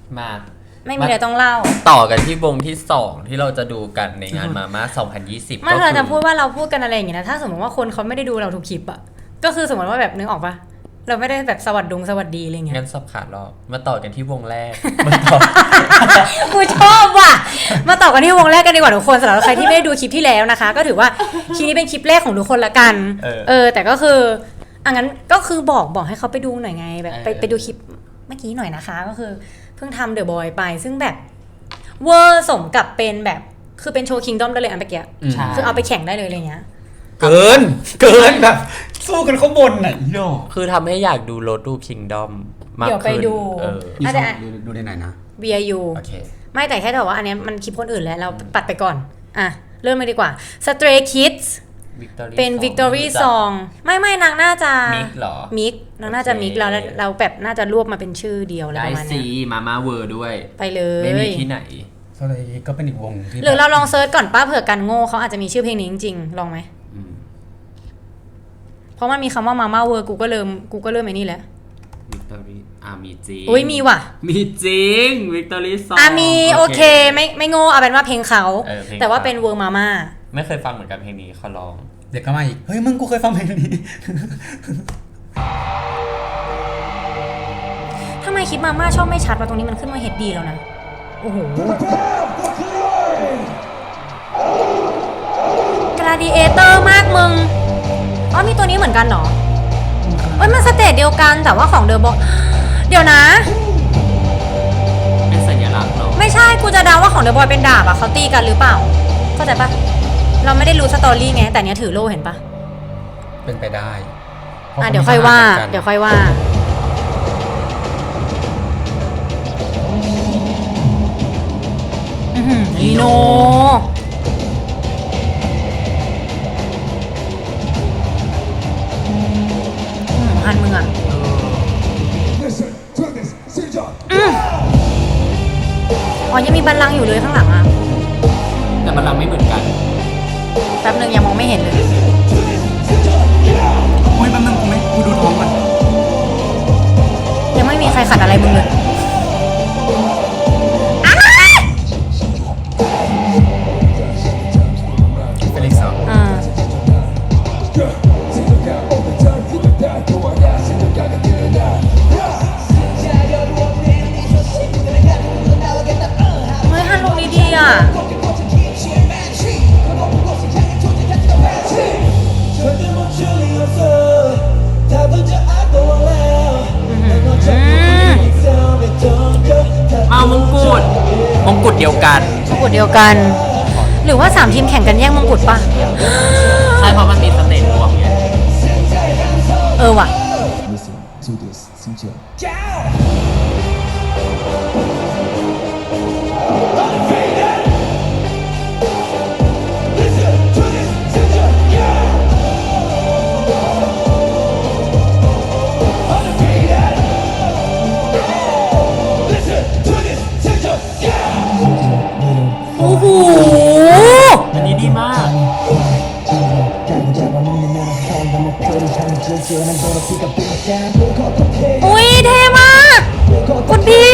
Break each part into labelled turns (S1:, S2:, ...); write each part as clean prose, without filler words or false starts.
S1: มา
S2: ไม่มีอะไรต้องเล่า
S1: ต่อกันที่วงที่2ที่เราจะดูกันในงานมาม่า2020
S2: ไม่เราจะพูดว่าเราพูดกันอะไรอย่างเงี้ยนะถ้าสมมติว่าคนเขาไม่ได้ดูเราทุกคลิปอะก็คือสมมติว่าแบบนึกออกปะเราไม่ได้แบบสวัสดีอะไรเงี้ย
S1: งั้นสับขาดรอบมาต่อกันที่วงแรก
S2: กูชอบว่ะมาต่อกันที่วงแรกกันดีกว่าทุกคนสำหรับใครที่ไม่ได้ดูคลิปที่แล้วนะคะก็ถือว่าคลิปนี้เป็นคลิปแรกของทุกคนละกันแต่ก็คืองั้นก็คือบอกให้เขาไปดูหน่อยไงแบบไปดูคลิปเมื่อกี้หน่อยนะคะก็คือเพิ่งทำเดอะบอยไปซึ่งแบบเวอร์สมกับเป็นแบบคือเป็นโชว์คิงดอมได้เลยอันเมื่อกี้คือเอาไปแข่งได้เลยอะไรเงี้ย
S3: เกินแบบสู้กันข้างบนน่ะโย
S1: คือทำให้อยากดูโรดทูคิงดอมมากขึ้น
S2: เดี๋ยวไปดู
S3: ดูในไหนนะ
S2: VIU
S3: โอเค
S2: ไม่แต่แค่แต่ว่าอันนี้มันคลิปคนอื่นแล้วเราปัดไปก่อนเริ่มเลยดีกว่า Stray Kids เป็น Victory Song ไม่นางน่าจะ
S1: มิกเหรอ
S2: มิกนางน่าจะมิกแล้วเราแบบน่าจะรวบมาเป็นชื่อเดียวอะไรประมาณนี้
S1: ได้ซีมาม่าเวอร์ด้วย
S2: ไปเลย
S1: ไม่มีที่ไหน
S3: ก็เป็นอีกวงที่
S2: หรือเราลองเซิร์ชก่อนป้าเผื่อกันโง่เขาอาจจะมีชื่อเพลงนี้จริงๆลองไหมเพราะมันมีคำว่ามาม่าเวอร์กูก็เริ่มไอ้นี่แหละ
S1: วิกตอรี่มีจริง
S2: อุ้ยมีว่ะ
S1: มีจริงวิกตอรี่ซอง
S2: มีโอเคไม่โง่เอาเป็นว่าเพลงเขาแต่ว่าเป็นเวอร์มาม่า
S1: ไม่เคยฟังเหมือนกันเพลงนี้เขาร้อง
S3: เด็กก็มาอีกเฮ้ยมึงกูเคยฟังเพลงนี้
S2: ทำไมคลิปมาม่าชอบไม่ชัดมาตรงนี้มันขึ้นมาเฮดดีแล้วนะโอ้โหกราดิเอเตอร์มากมึงมีตัวนี้เหมือนกันเหรอมันสเตจเดียวกันแต่ว่าของเดอะบอยเดี๋ยวนะ
S1: เป็นสัญลักษณ์เหรอ
S2: ไม่ใช่กูจะเดาว่าของเดอะบอยเป็นดาบเขาตีกันหรือเปล่าเข้าใจปะเราไม่ได้รู้สตอรี่ไงแต่เนี้ยถือโล่เห็นปะ
S3: เป็นไปได้
S2: เดี๋ยวค่อยว่าลีโนหันมึงอ่ะยังมีบัลลังก์อยู่เลยข้างหลังอ่ะ
S1: แต่บัลลังก์ไม่เหมือนกัน
S2: แป๊บนึงยังมองไม่เห็นเลย
S3: โอ้ยแป๊บนึงกูดูท้องมัน
S2: ยังไม่มีใครขัดอะไรมึงเลย
S3: เป็นอีกสอง
S1: มงกุฎเดียว
S2: กันหรือว่า3ทีมแข่งกันแย่งมงกุฎปะ
S1: ใช่เพราะมันมีสเตจรวมไง
S2: ว่ะโอ้โห
S1: อันนี้ดีมาก
S2: อุ้ยเท่มากคุณพี่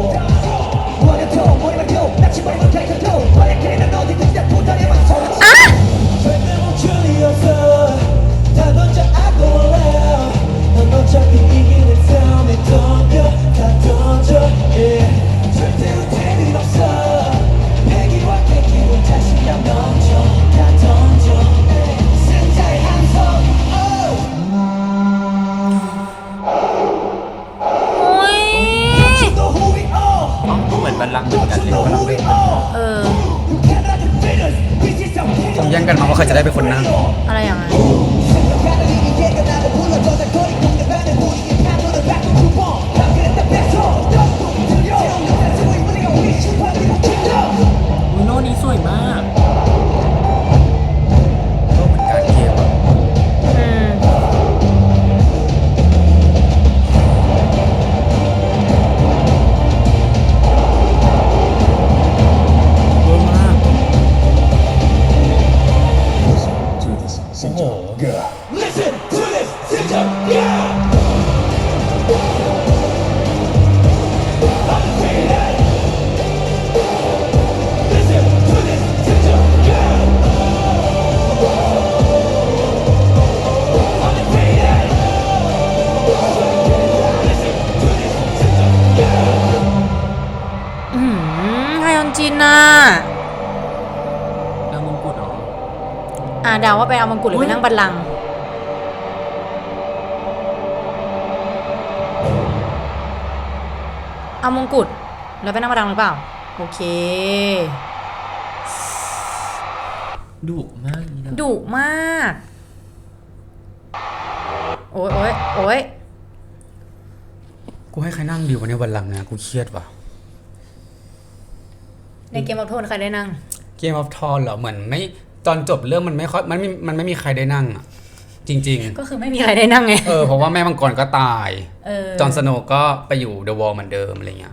S3: ต้องแย่งกันมาว่าใครจะได้เป็นคนนั่ง
S2: อะไรอย่างนั้น
S1: โลนี้สวยมาก
S3: โลเหมือนการเกม
S2: โน่ะ
S1: แล้วมงกุฎเหรอ
S2: เดาว่าไปเอามงกุฎหรือไปนั่งบัลลังก์เอามงกุฎแล้วไปนั่งบัลลังก์หรือเปล่าโอเค
S1: ดุมากนี่นะ
S2: ดุมากโอ้ยโอ้ยโอ้ย
S3: กูให้ใครนั่งดีวันนี้วันหลังนะกูเครียดว่ะ
S2: ในเกมออฟโทนใครได้นั่ง
S3: เกมออฟทอนเหรอเหมือนไม่ตอนจบเรื่องมันไม่ค่อยมันไม่มีใครได้นั่งอ่ะจริง
S2: ก็คือไม่มีใครได้นั่งไง
S3: เพราะว่าแม่มังกรก็ตาย
S2: อ
S3: จอห์นสโนว์ก็ไปอยู่เดอะวอลเหมือนเดิมอะไรเงี้ย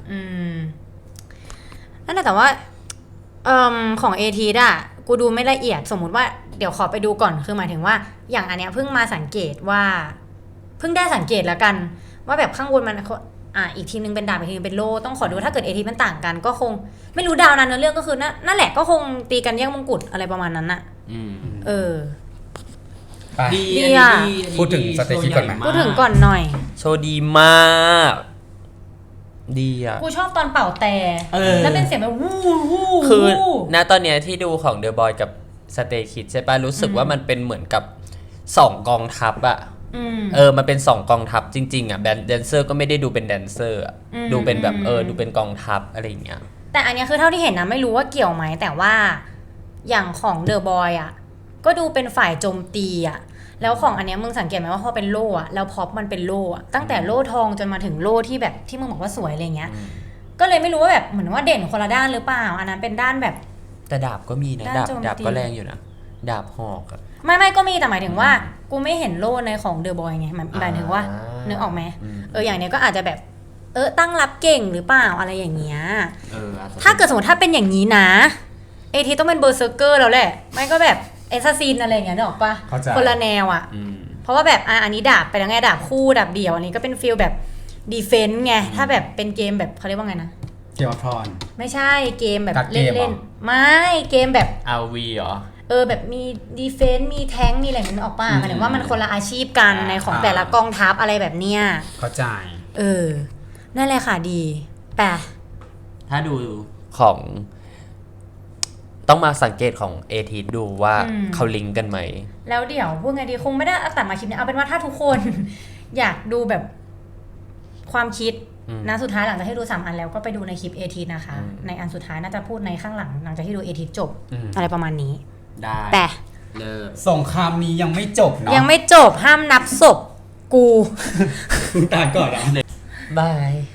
S2: นั่นแหละแต่ว่าของเอทีอะกูดูไม่ละเอียดสมมุติว่าเดี๋ยวขอไปดูก่อนคือหมายถึงว่าอย่างอันเนี้ยเพิ่งมาสังเกตว่าเพิ่งได้สังเกตแล้วกัน ว่าแบบข้างบนมันอีกทีนึงเป็นดาบอีกทีนึงเป็นโล่ต้องขอดูถ้าเกิดเอทีมันต่างกันก็คงไม่รู้ดาวนั้นเนื้อเรื่องก็คือนั่นแหละก็คงตีกันแย่งมงกุฎอะไรประมาณนั้นน่ะ เออ
S3: ไป
S1: ดี
S2: ดี
S1: อันนี้
S2: อะ
S1: ดี
S3: พูดถึงสเตคิดก่อนไหม
S2: พูดถึงก่อนหน่อย
S1: โชว์ดีมาก ดีอ่ะ
S2: กูชอบตอนเป่าแต่แล้วเป็นเสียงแบบวู้วู้
S1: คือ
S2: วู้
S1: ณตอนเนี้ยที่ดูของ The Boy กับ Stray Kids ใช่ปะรู้สึกว่ามันเป็นเหมือนกับ2กองทัพอะมันเป็น2กองทัพจริงๆอะแดนเซอร์ก็ไม่ได้ดูเป็นแดนเซอร์อะดูเป็นแบบดูเป็นกองทัพอะไรอย่างเงี้ย
S2: แต่อันเนี้ยคือเท่าที่เห็นนะไม่รู้ว่าเกี่ยวไหมแต่ว่าอย่างของเดอะบอยอ่ะก็ดูเป็นฝ่ายโจมตีอ่ะแล้วของอันเนี้ยมึงสังเกตไหมว่าพอเป็นโล่อ่ะแล้วพอปมันเป็นโล่อ่ะตั้งแต่โล่ทองจนมาถึงโล่ที่แบบที่มึงบอกว่าสวยอะไรเงี้ยก็เลยไม่รู้ว่าแบบเหมือนว่าเด่นคนละด้านหรือเปล่าอันนั้นเป็นด้านแบบ
S1: แต่ดาบก็มีนะ
S2: ด้านโจมตี
S1: ดาบก็แรงอยู่นะดาบหอกอะ
S2: ไม่ก็มีแต่หมายถึงว่ากูไม่เห็นโล่ในของเดอะบอยไงหมายถึงว่านึกออกไหมอย่างเนี้ยก็อาจจะแบบตั้งรับเก่งหรือเปล่าอะไรอย่างเงี้ยถ้าเกิดสมมติถ้าเป็นอย่างนี้นะเอทีต้องเป็นเบอร์เซอร์เกอร์แล้วแหละไม่ก็แบบเอซาซินอะไรอย่างเงี้ยนึกออกปะ
S3: เข้าใจ
S2: คนละแนวอ่ะเพราะว่าแบบอันนี้ดาบไปแล้วไงดาบคู่ดาบเดี่ยวอันนี้ก็เป็นฟีลแบบดีเฟนต์ไงถ้าแบบเป็นเกมแบบเขาเรียกว่าไงนะ
S3: เกมออฟทอน
S2: ไม่ใช่เกมแบบ
S3: การ์ดเกมเหรอ
S2: เล่นๆไม่เกมแบบ
S1: RV เหรอ
S2: แบบมีดีเฟนต์มีแท้งมีอะไรนั้นออกป่ะหมายถึงว่ามันคนละอาชีพกันในของแต่ละกองทัพอะไรแบบเนี้ย
S3: เข้าใจ
S2: นั่นแหละค่ะดีแปะ
S1: ถ้าดูของต้องมาสังเกตของเอทีดูว่าเขาลิงก์กันไหม
S2: แล้วเดี๋ยวพูดไงดีคงไม่ได้เอาแต่มาคลิปนี้เอาเป็นว่าถ้าทุกคน อยากดูแบบความคิดนะสุดท้ายหลังจากที่ดู3อันแล้วก็ไปดูในคลิปเอทีนะคะ ในอันสุดท้ายน่าจะพูดในข้างหลังหลังจากที่ดูเอทีจบอะไรประมาณนี้
S1: ได้
S2: แต่
S1: เลิก
S3: สงครามนี้ยังไม่จบเนาะ
S2: ยังไม่จบห้ามนับศพกู
S3: ตายก่อนเหรอ
S1: บาย